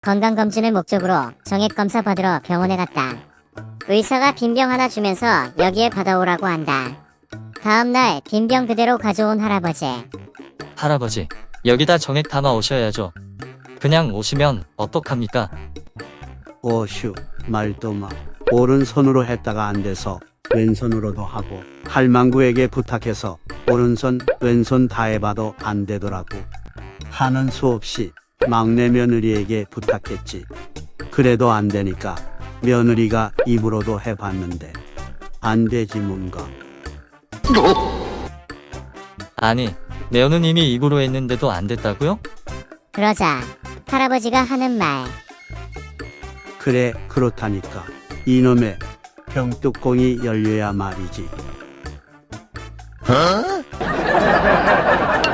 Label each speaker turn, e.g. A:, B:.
A: 건강검진을 목적으로 정액검사 받으러 병원에 갔다. 의사가 빈병 하나 주면서 여기에 받아오라고 한다. 다음날 빈병 그대로 가져온 할아버지.
B: 할아버지, 여기다 정액 담아 오셔야죠. 그냥 오시면 어떡합니까?
C: 오슈, 말도 마. 오른손으로 했다가 안 돼서 왼손으로도 하고, 할망구에게 부탁해서 오른손, 왼손 다 해봐도 안 되더라고. 하는 수 없이 막내 며느리에게 부탁했지. 그래도 안 되니까 며느리가 입으로도 해봤는데 안 되지 뭔가.
B: 아니, 며느님이 입으로 했는데도 안 됐다고요?
A: 그러자 할아버지가 하는 말.
C: 그래, 그렇다니까. 이놈의 병뚜껑이 열려야 말이지.